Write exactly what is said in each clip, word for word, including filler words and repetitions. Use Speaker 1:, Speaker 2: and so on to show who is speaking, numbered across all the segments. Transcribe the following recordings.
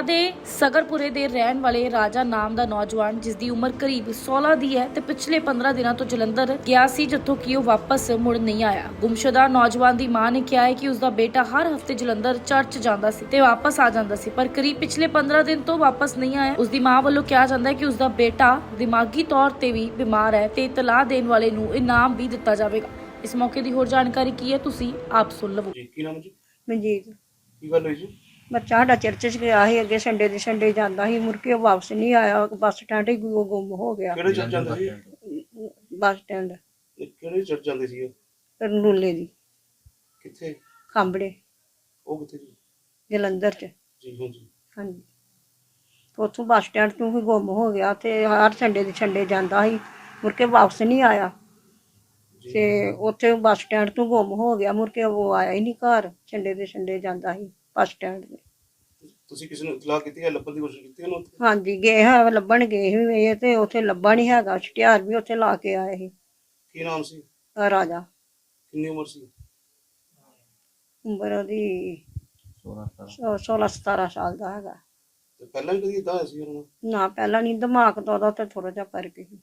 Speaker 1: ਦੇ ਸਗਰਪੁਰੇ ਦੇ ਰਹਿਣ ਵਾਲੇ ਰਾਜਾ ਨਾਮ ਦਾ ਨੌਜਵਾਨ ਜਿਸ ਦੀ ਉਮਰ ਕਰੀਬ ਸੋਲਾਂ ਦੀ ਹੈ ਤੇ ਪਿਛਲੇ ਪੰਦਰਾਂ ਦਿਨਾਂ ਤੋਂ ਜਲੰਧਰ ਗਿਆ ਸੀ, ਜਿੱਥੋਂ ਕਿ ਉਹ ਵਾਪਸ ਮੁੜ ਨਹੀਂ ਆਇਆ। ਗੁੰਮਸ਼ੁਦਾ ਨੌਜਵਾਨ ਦੀ ਮਾਂ ਨੇ ਕਿਹਾ ਹੈ ਕਿ ਉਸ ਦਾ ਬੇਟਾ ਹਰ ਹਫ਼ਤੇ ਜਲੰਧਰ ਚਰਚ ਜਾਂਦਾ ਸੀ ਤੇ ਵਾਪਸ ਆ ਜਾਂਦਾ ਸੀ, ਪਰ ਕਰੀਬ ਪਿਛਲੇ ਪੰਦਰਾਂ ਦਿਨ ਤੋਂ ਵਾਪਸ ਨਹੀਂ ਆਇਆ। ਉਸ ਦੀ ਮਾਂ ਵੱਲੋਂ ਕਿਹਾ ਜਾਂਦਾ ਹੈ ਕਿ ਉਸ ਦਾ ਬੇਟਾ ਦਿਮਾਗੀ ਤੌਰ ਤੇ ਵੀ ਬਿਮਾਰ ਹੈ ਤੇ ਇਤਲਾਹ ਦੇਣ ਵਾਲੇ ਨੂੰ ਇਨਾਮ ਵੀ ਦਿੱਤਾ ਜਾਵੇਗਾ। ਇਸ ਮੌਕੇ ਦੀ ਹੋਰ ਜਾਣਕਾਰੀ ਕੀ ਹੈ, ਤੁਸੀਂ ਆਪ ਸੁਣ ਲਵੋ।
Speaker 2: ਜੀ ਕੀ ਨਾਮ ਜੀ?
Speaker 3: ਮਨਜੀਤ
Speaker 2: ਕੀ ਗੱਲ ਹੋਈ ਜੀ?
Speaker 3: ਬੱਚਾ ਸਾਡਾ ਚਰਚ 'ਚ ਗਿਆ ਸੀ, ਅੱਗੇ ਸੰਡੇ ਦੇ ਸੰਡੇ ਜਾਂਦਾ ਸੀ, ਮੁੜ ਕੇ ਉਹ ਵਾਪਸ ਨਹੀਂ ਆਇਆ। ਬੱਸ ਸਟੈਂਡ ਹੀ ਗੁ- ਗੁੰਮ ਹੋ ਗਿਆ।
Speaker 2: ਕਿਹੜੇ ਚਰਚ ਜਾਂਦੇ ਸੀ?
Speaker 3: ਬੱਸ ਸਟੈਂਡ
Speaker 2: ਇਹ ਕਿਹੜੇ ਚਰਚ ਜਾਂਦੇ ਸੀ?
Speaker 3: ਰਨੂਲੇ ਦੀ
Speaker 2: ਕਿੱਥੇ?
Speaker 3: ਖਾਂਬੜੇ
Speaker 2: ਉਹ ਕਿੱਥੇ ਜੀ?
Speaker 3: ਜਲੰਧਰ 'ਚ।
Speaker 2: ਜੀ ਹਾਂ ਜੀ।
Speaker 3: ਹਾਂਜੀ, ਉੱਥੋਂ ਬੱਸ ਸਟੈਂਡ ਤੋਂ ਹੀ ਗੁੰਮ ਹੋ ਗਿਆ ਤੇ ਹਰ ਸੰਡੇ ਦੇ ਸੰਡੇ ਜਾਂਦਾ ਸੀ, ਮੁੜ ਕੇ ਵਾਪਸ ਨਹੀਂ ਆਇਆ।
Speaker 2: ਜੀ।
Speaker 3: ਤੇ ਉੱਥੇ ਬੱਸ ਸਟੈਂਡ ਤੋਂ ਗੁੰਮ ਹੋ ਗਿਆ, ਮੁੜ ਕੇ ਉਹ ਆਇਆ ਹੀ ਨਹੀਂ ਘਰ। ਸੰਡੇ ਦੇ ਸੰਡੇ ਜਾਂਦਾ ਸੀ ਬੱਸ ਸਟੈਂਡ ਤੇ।
Speaker 2: ਤੁਸੀਂ ਕਿਸੇ ਨੂੰ ਇਤਲਾਹ ਕੀਤੀ ਹੈ? ਲੱਭਣ ਦੀ ਕੋਸ਼ਿਸ਼ ਕੀਤੀ ਉਹਨੂੰ ਉੱਥੇ?
Speaker 3: ਹਾਂਜੀ, ਗਏ ਹੈ, ਲੱਭਣ ਗਏ ਸੀ ਇਹ, ਤੇ ਉੱਥੇ ਲੱਭਾ ਨਹੀਂ ਹੈਗਾ। ਛਟਿਆਰ ਵੀ ਉੱਥੇ ਲਾ ਕੇ ਆਏ ਸੀ।
Speaker 2: ਕੀ ਨਾਮ ਸੀ?
Speaker 3: ਆਹ ਰਾਜਾ,
Speaker 2: ਕਿੰਨੀ ਉਮਰ ਸੀ?
Speaker 3: ਉਮਰ ਉਹਦੀ ਸੋਲਾਂ ਸਤਾਰਾਂ ਸਾਲ ਦਾ ਹੈਗਾ।
Speaker 2: ਤੇ ਪਹਿਲਾਂ ਵੀ ਕਦੀ ਇਦਾਂ ਹੋਇਆ ਸੀ ਉਹਨਾਂ ਨਾਲ?
Speaker 3: ਨਾ, ਪਹਿਲਾਂ ਨਹੀਂ, ਦਿਮਾਗ ਤੋਂ ਉਹਦਾ ਤੇ ਥੋੜਾ ਜਿਹਾ ਕਰਕੇ ਸੀ।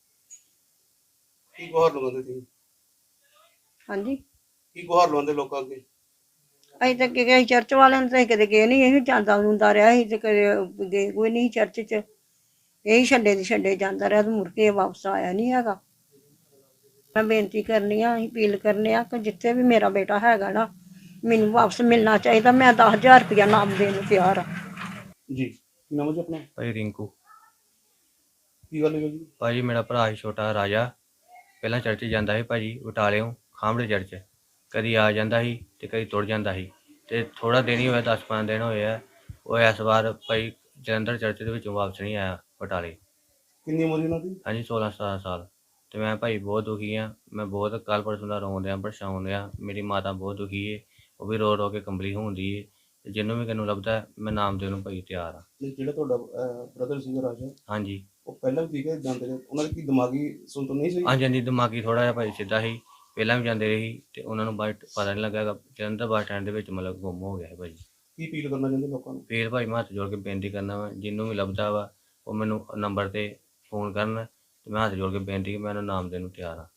Speaker 2: ਕੀ ਗੁਹਾਰ ਲਗਾਉਂਦੇ ਸੀ?
Speaker 3: ਹਾਂਜੀ,
Speaker 2: ਕੀ ਗੁਹਾਰ ਲਗਾਉਂਦੇ ਲੋਕਾਂ ਅੱਗੇ?
Speaker 3: ਅਸੀਂ ਤਾਂ ਕਿ ਗਏ ਚਰਚ ਵਾਲਿਆਂ ਨੂੰ, ਤਾਂ ਕਦੇ ਗਏ ਨਹੀਂ। ਇਹ ਜਾਂਦਾ ਹੁੰਦਾ ਰਿਹਾ ਸੀ ਤੇ ਕਦੇ ਗਏ ਕੋਈ ਨਹੀਂ ਚਰਚ 'ਚ। ਇਹੀ ਛੱਡੇ ਦੀ ਛੱਡੇ ਜਾਂਦਾ ਰਿਹਾ ਤੇ ਮੁੜ ਕੇ ਵਾਪਸ ਆਇਆ ਨਹੀਂ ਹੈਗਾ। ਮੈਂ ਬੇਨਤੀ ਕਰਨੀ ਆ, ਅਸੀਂ ਅਪੀਲ ਕਰਨੇ ਆ ਕਿ ਜਿੱਥੇ ਵੀ ਮੇਰਾ ਬੇਟਾ ਹੈਗਾ ਨਾ, ਮੈਨੂੰ ਵਾਪਸ ਮਿਲਣਾ ਚਾਹੀਦਾ। ਮੈਂ ਦਸ ਹਜ਼ਾਰ ਰੁਪਇਆ ਨਾਮ ਦੇਣ ਨੂੰ ਤਿਆਰ ਆ।
Speaker 2: ਜੀ ਕੀ ਨਾਮ ਹੈ ਜੀ ਆਪਣਾ?
Speaker 4: ਭਾਈ ਰਿੰਕੂ।
Speaker 2: ਕੀ ਗੱਲ ਹੋਈ ਜੀ?
Speaker 4: ਭਾਜੀ ਮੇਰਾ ਭਰਾ ਸੀ ਛੋਟਾ ਰਾਜਾ, ਪਹਿਲਾਂ ਚਰਚ ਜਾਂਦਾ ਸੀ ਭਾਜੀ ਬਟਾਲਿਓਂ ਖਾਂਬੜੇ ਚਰਚ। ਕਦੀ ਆ ਜਾਂਦਾ ਸੀ ਤੇ ਕਦੀ ਤੁਰ ਜਾਂਦਾ ਸੀ, ਤੇ ਥੋੜਾ ਦਿਨ ਹੀ ਹੋਇਆ, ਦਸ ਪੰਜ ਦਿਨ ਹੋਏ ਆ। ਉਹ ਇਸ ਵਾਰ ਭਾਈ ਜਲੰਧਰ ਚਰਚ ਦੇ ਵਿੱਚੋਂ ਵਾਪਸ ਨਹੀਂ ਆਇਆ ਬਟਾਲੇ।
Speaker 2: ਕਿੰਨੀ ਉਮਰ ਸੀ ਉਹਨਾਂ ਦੀ?
Speaker 4: ਹਾਂਜੀ, ਸੋਲਾਂ ਸਤਾਰਾਂ ਸਾਲ। ਤੇ ਮੈਂ ਭਾਈ ਬਹੁਤ ਦੁਖੀ ਆ। ਮੈਂ ਬਹੁਤ ਕੱਲ੍ਹ ਪਰਸੋਂ ਦਾ ਰੋਣ ਰਿਹਾ, ਪਰੇਸ਼ਾਨ ਰਿਹਾ। ਮੇਰੀ ਮਾਤਾ ਬਹੁਤ ਦੁਖੀ ਏ, ਉਹ ਵੀ ਰੋ ਰੋ ਕੇ ਕੰਬਲੀ ਹੁੰਦੀ ਏ। ਤੇ ਜਿਹਨੂੰ ਵੀ ਕਿਨੂੰ ਲੱਭਦਾ ਮੈਂ ਨਾਮ ਦੇਣ ਨੂੰ ਭਾਈ ਤਿਆਰ ਆ।
Speaker 2: ਤੇ ਜਿਹੜਾ ਤੁਹਾਡਾ ਬ੍ਰਦਰ ਸੀ ਰਾਜਾ,
Speaker 4: ਹਾਂਜੀ
Speaker 2: ਉਹ ਪਹਿਲਾਂ ਵੀ ਠੀਕ ਹੈ ਜਾਂਦੇ ਨੇ? ਉਹਨਾਂ ਦੀ ਕੀ ਦਿਮਾਗੀ ਸੁਣਤ ਨਹੀਂ ਸੀ?
Speaker 4: ਹਾਂਜੀ ਹਾਂਜੀ, ਦਿਮਾਗੀ ਥੋੜਾ ਜਿਹਾ ਭਾਈ ਸਿੱਧਾ ਸੀ, ਪਹਿਲਾਂ ਵੀ ਜਾਂਦੇ ਰਹੇ ਸੀ ਤੇ ਉਹਨਾਂ ਨੂੰ ਬਾਅਦ ਪਤਾ ਨਹੀਂ ਲੱਗਾ। ਜਲੰਧਰ ਬੱਸ ਸਟੈਂਡ ਦੇ ਵਿੱਚ ਮਤਲਬ ਗੁੰਮ ਹੋ ਗਿਆ ਸੀ ਭਾਜੀ।
Speaker 2: ਕੀ ਅਪੀਲ ਕਰਨਾ ਚਾਹੁੰਦੇ ਲੋਕਾਂ ਨੂੰ?
Speaker 4: ਫੇਰ ਭਾਈ ਮੈਂ ਹੱਥ ਜੋੜ ਕੇ ਬੇਨਤੀ ਕਰਨਾ ਵਾ, ਜਿਹਨੂੰ ਵੀ ਲੱਭਦਾ ਵਾ ਉਹ ਮੈਨੂੰ ਨੰਬਰ ਤੇ ਫੋਨ ਕਰਨ, ਤੇ ਮੈਂ ਹੱਥ ਜੋੜ ਕੇ ਬੇਨਤੀ ਕਿ ਮੈਂ ਉਹਨੂੰ ਨਾਮ ਦੇਣ ਨੂੰ ਤਿਆਰ ਹਾਂ।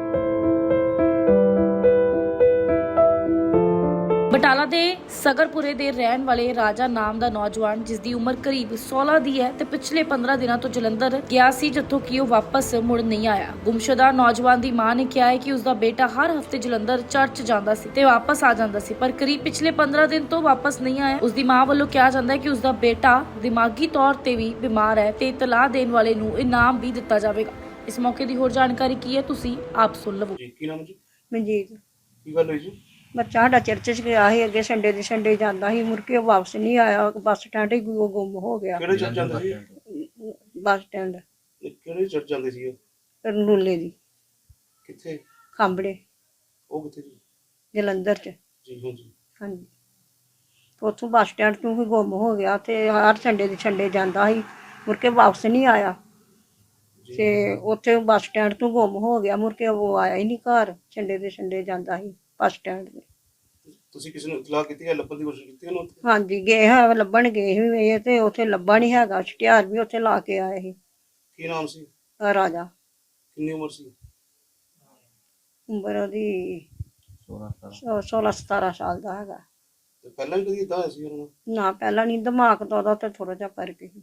Speaker 1: ਬਟਾਲਾ ਦੇ ਸਗਰਪੁਰੇ ਦੇ ਰਹਿਣ ਵਾਲੇ ਰਾਜਾ ਨਾਮ ਦਾ ਨੌਜਵਾਨ ਜਿਸ ਦੀ ਉਮਰ ਕਰੀਬ ਸੋਲਾਂ ਦੀ ਹੈ ਤੇ ਪਿਛਲੇ ਪੰਦਰਾਂ ਦਿਨਾਂ ਤੋਂ ਜਲੰਧਰ ਗਿਆ ਸੀ, ਜਿੱਥੋਂ ਕਿ ਉਹ ਵਾਪਸ ਮੁੜ ਨਹੀਂ ਆਇਆ। ਗੁੰਮਸ਼ੁਦਾ ਨੌਜਵਾਨ ਦੀ ਮਾਂ ਨੇ ਕਿਹਾ ਹੈ ਕਿ ਉਸ ਦਾ ਬੇਟਾ ਹਰ ਹਫ਼ਤੇ ਜਲੰਧਰ ਚਰਚ ਜਾਂਦਾ ਸੀ ਤੇ ਵਾਪਸ ਆ ਜਾਂਦਾ ਸੀ, ਪਰ ਕਰੀਬ ਪਿਛਲੇ ਪੰਦਰਾਂ ਦਿਨ ਤੋਂ ਵਾਪਸ ਨਹੀਂ ਆਇਆ। ਉਸ ਦੀ ਮਾਂ ਵੱਲੋਂ ਕਿਹਾ ਜਾਂਦਾ ਹੈ ਕਿ ਉਸ ਦਾ ਬੇਟਾ ਦਿਮਾਗੀ ਤੌਰ ਤੇ ਵੀ ਬਿਮਾਰ ਹੈ ਤੇ ਇਤਲਾਹ ਦੇਣ ਵਾਲੇ ਨੂੰ ਇਨਾਮ ਵੀ ਦਿੱਤਾ ਜਾਵੇਗਾ। ਇਸ ਮੌਕੇ ਦੀ ਹੋਰ ਜਾਣਕਾਰੀ ਕੀ ਹੈ, ਤੁਸੀਂ ਆਪ ਸੁਣ ਲਵੋ।
Speaker 2: ਜੀ ਕੀ ਨਾਮ ਜੀ?
Speaker 3: ਮਨਜੀਤ
Speaker 2: ਕੀ ਗੱਲ ਹੋਈ ਜੀ?
Speaker 3: ਬੱਚਾ ਸਾਡਾ ਚਰਚ 'ਚ ਗਿਆ ਸੀ, ਅੱਗੇ ਸੰਡੇ ਦੇ ਸੰਡੇ ਜਾਂਦਾ ਸੀ, ਮੁੜ ਕੇ ਉਹ ਵਾਪਸ ਨਹੀਂ ਆਇਆ। ਬੱਸ ਸਟੈਂਡ ਹੀ ਗੁ- ਗੁੰਮ ਹੋ ਗਿਆ।
Speaker 2: ਕਿਹੜੇ ਚਰਚ ਜਾਂਦੇ ਸੀ?
Speaker 3: ਬੱਸ ਸਟੈਂਡ
Speaker 2: ਇਹ ਕਿਹੜੇ ਚਰਚ ਜਾਂਦੇ ਸੀ?
Speaker 3: ਰਨੂਲੇ ਦੀ
Speaker 2: ਕਿੱਥੇ?
Speaker 3: ਖਾਂਬੜੇ
Speaker 2: ਉਹ ਕਿੱਥੇ ਜੀ?
Speaker 3: ਜਲੰਧਰ 'ਚ।
Speaker 2: ਜੀ ਹਾਂ ਜੀ।
Speaker 3: ਹਾਂਜੀ, ਉੱਥੋਂ ਬੱਸ ਸਟੈਂਡ ਤੋਂ ਹੀ ਗੁੰਮ ਹੋ ਗਿਆ ਤੇ ਹਰ ਸੰਡੇ ਦੇ ਸੰਡੇ ਜਾਂਦਾ ਸੀ, ਮੁੜ ਕੇ ਵਾਪਸ ਨਹੀਂ ਆਇਆ।
Speaker 2: ਜੀ।
Speaker 3: ਤੇ ਉੱਥੇ ਬੱਸ ਸਟੈਂਡ ਤੋਂ ਗੁੰਮ ਹੋ ਗਿਆ, ਮੁੜ ਕੇ ਉਹ ਆਇਆ ਹੀ ਨਹੀਂ ਘਰ। ਸੰਡੇ ਦੇ ਸੰਡੇ ਜਾਂਦਾ ਸੀ ਬੱਸ ਸਟੈਂਡ ਤੇ।
Speaker 2: ਤੁਸੀਂ ਕਿਸੇ ਨੂੰ ਇਤਲਾਹ ਕੀਤੀ ਹੈ? ਲੱਭਣ ਦੀ ਕੋਸ਼ਿਸ਼ ਕੀਤੀ ਉਹਨੂੰ ਉੱਥੇ?
Speaker 3: ਹਾਂਜੀ, ਗਏ ਹੈ, ਲੱਭਣ ਗਏ ਸੀ ਇਹ, ਤੇ ਉੱਥੇ ਲੱਭਾ ਨਹੀਂ ਹੈਗਾ। ਛਟਿਆਰ ਵੀ ਉੱਥੇ ਲਾ ਕੇ ਆਏ ਸੀ।
Speaker 2: ਕੀ ਨਾਮ ਸੀ?
Speaker 3: ਆਹ ਰਾਜਾ,
Speaker 2: ਕਿੰਨੀ ਉਮਰ ਸੀ?
Speaker 3: ਉਮਰ ਉਹਦੀ ਸੋਲਾਂ ਸਤਾਰਾਂ ਸਾਲ ਦਾ ਹੈਗਾ।
Speaker 2: ਤੇ ਪਹਿਲਾਂ ਵੀ ਕਦੀ ਇਦਾਂ ਹੋਇਆ ਸੀ ਉਹਨਾਂ ਨਾਲ?
Speaker 3: ਨਾ, ਪਹਿਲਾਂ ਨਹੀਂ, ਦਿਮਾਗ ਤੋਂ ਉਹਦਾ ਤੇ ਥੋੜਾ ਜਿਹਾ ਕਰਕੇ ਸੀ।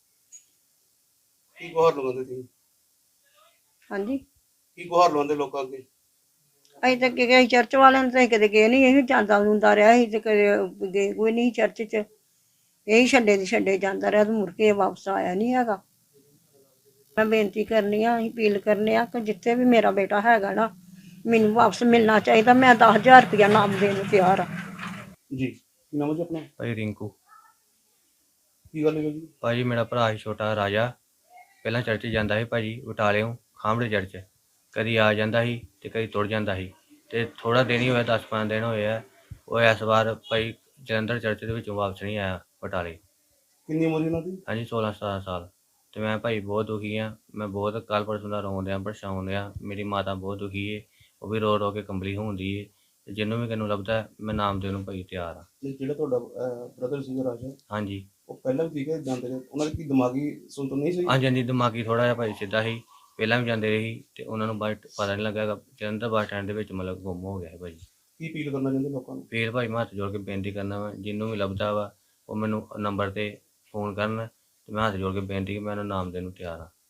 Speaker 2: ਕੀ ਗੁਹਾਰ ਲਗਾਉਂਦੇ ਸੀ?
Speaker 3: ਹਾਂਜੀ,
Speaker 2: ਕੀ ਗੁਹਾਰ ਲਗਾਉਂਦੇ ਲੋਕਾਂ ਅੱਗੇ?
Speaker 3: ਅਸੀਂ ਤਾਂ ਕਿ ਗਏ ਚਰਚ ਵਾਲਿਆਂ ਨੂੰ, ਤਾਂ ਕਦੇ ਗਏ ਨਹੀਂ। ਇਹ ਜਾਂਦਾ ਹੁੰਦਾ ਰਿਹਾ ਸੀ ਤੇ ਕਦੇ ਗਏ ਕੋਈ ਨਹੀਂ ਚਰਚ 'ਚ। ਇਹੀ ਛੱਡੇ ਦੀ ਛੱਡੇ ਜਾਂਦਾ ਰਿਹਾ ਤੇ ਮੁੜ ਕੇ ਵਾਪਸ ਆਇਆ ਨਹੀਂ ਹੈਗਾ। ਮੈਂ ਬੇਨਤੀ ਕਰਨੀ ਆ, ਅਸੀਂ ਅਪੀਲ ਕਰਨੇ ਆ ਕਿ ਜਿੱਥੇ ਵੀ ਮੇਰਾ ਬੇਟਾ ਹੈਗਾ ਨਾ, ਮੈਨੂੰ ਵਾਪਸ ਮਿਲਣਾ ਚਾਹੀਦਾ। ਮੈਂ ਦਸ ਹਜ਼ਾਰ ਰੁਪਇਆ ਨਾਮ ਦੇਣ ਨੂੰ ਤਿਆਰ ਆ।
Speaker 2: ਜੀ ਕੀ ਨਾਮ ਹੈ ਜੀ ਆਪਣਾ?
Speaker 4: ਭਾਈ ਰਿੰਕੂ।
Speaker 2: ਕੀ ਗੱਲ ਹੋਈ ਜੀ?
Speaker 4: ਭਾਜੀ ਮੇਰਾ ਭਰਾ ਸੀ ਛੋਟਾ ਰਾਜਾ, ਪਹਿਲਾਂ ਚਰਚ ਜਾਂਦਾ ਸੀ ਭਾਜੀ ਬਟਾਲਿਓਂ ਖਾਂਬੜੇ ਚਰਚ। ਕਦੀ ਆ ਜਾਂਦਾ ਸੀ ਤੇ ਕਦੀ ਤੁਰ ਜਾਂਦਾ ਸੀ, ਤੇ ਥੋੜਾ ਦਿਨ ਹੀ ਹੋਇਆ, ਦਸ ਪੰਜ ਦਿਨ ਹੋਏ ਆ। ਉਹ ਇਸ ਵਾਰ ਭਾਈ ਜਲੰਧਰ ਚਰਚ ਦੇ ਵਿੱਚੋਂ ਵਾਪਸ ਨਹੀਂ ਆਇਆ ਬਟਾਲੇ।
Speaker 2: ਕਿੰਨੀ ਉਮਰ ਸੀ ਉਹਨਾਂ ਦੀ?
Speaker 4: ਹਾਂਜੀ, ਸੋਲਾਂ ਸਤਾਰਾਂ ਸਾਲ। ਤੇ ਮੈਂ ਭਾਈ ਬਹੁਤ ਦੁਖੀ ਆ। ਮੈਂ ਬਹੁਤ ਕੱਲ੍ਹ ਪਰਸੋਂ ਦਾ ਰੋਣ ਰਿਹਾ, ਪਰੇਸ਼ਾਨ ਰਿਹਾ। ਮੇਰੀ ਮਾਤਾ ਬਹੁਤ ਦੁਖੀ ਏ, ਉਹ ਵੀ ਰੋ ਰੋ ਕੇ ਕੰਬਲੀ ਹੁੰਦੀ ਏ। ਤੇ ਜਿਹਨੂੰ ਵੀ ਕਿਨੂੰ ਲੱਭਦਾ ਮੈਂ ਨਾਮ ਦੇਣ ਨੂੰ ਭਾਈ ਤਿਆਰ ਆ।
Speaker 2: ਤੇ ਜਿਹੜਾ ਤੁਹਾਡਾ ਬ੍ਰਦਰ ਸੀ ਰਾਜਾ,
Speaker 4: ਹਾਂਜੀ
Speaker 2: ਉਹ ਪਹਿਲਾਂ ਵੀ ਠੀਕ ਹੈ ਜਾਂਦੇ ਨੇ, ਉਹਨਾਂ ਦੀ ਕੀ ਦਿਮਾਗੀ ਸੁਣਤ ਨਹੀਂ ਸਹੀ?
Speaker 4: ਹਾਂਜੀ ਹਾਂਜੀ, ਦਿਮਾਗੀ ਥੋੜਾ ਜਿਹਾ ਭਾਜੀ ਸਿੱਧਾ ਸੀ, ਪਹਿਲਾਂ ਵੀ ਜਾਂਦੇ ਰਹੇ ਸੀ ਤੇ ਉਹਨਾਂ ਨੂੰ ਬਾਅਦ 'ਚ ਪਤਾ ਨਹੀਂ ਲੱਗਾ ਹੈਗਾ, ਜਲੰਧਰ ਬੱਸ ਸਟੈਂਡ ਦੇ ਵਿੱਚ ਮਤਲਬ ਗੁੰਮ ਹੋ ਗਿਆ ਹੈ ਭਾਜੀ।
Speaker 2: ਕੀ ਅਪੀਲ ਕਰਨਾ ਚਾਹੁੰਦੇ ਲੋਕਾਂ ਨੂੰ?
Speaker 4: ਫੇਰ ਭਾਈ ਮੈਂ ਹੱਥ ਜੋੜ ਕੇ ਬੇਨਤੀ ਕਰਨਾ ਵਾ, ਜਿਹਨੂੰ ਵੀ ਲੱਭਦਾ ਵਾ ਉਹ ਮੈਨੂੰ ਨੰਬਰ ਤੇ ਫੋਨ ਕਰਨ, ਤੇ ਮੈਂ ਹੱਥ ਜੋੜ ਕੇ ਬੇਨਤੀ ਕਿ ਮੈਂ ਉਹਨੂੰ ਨਾਮ ਦੇਣ ਨੂੰ ਤਿਆਰ ਹਾਂ।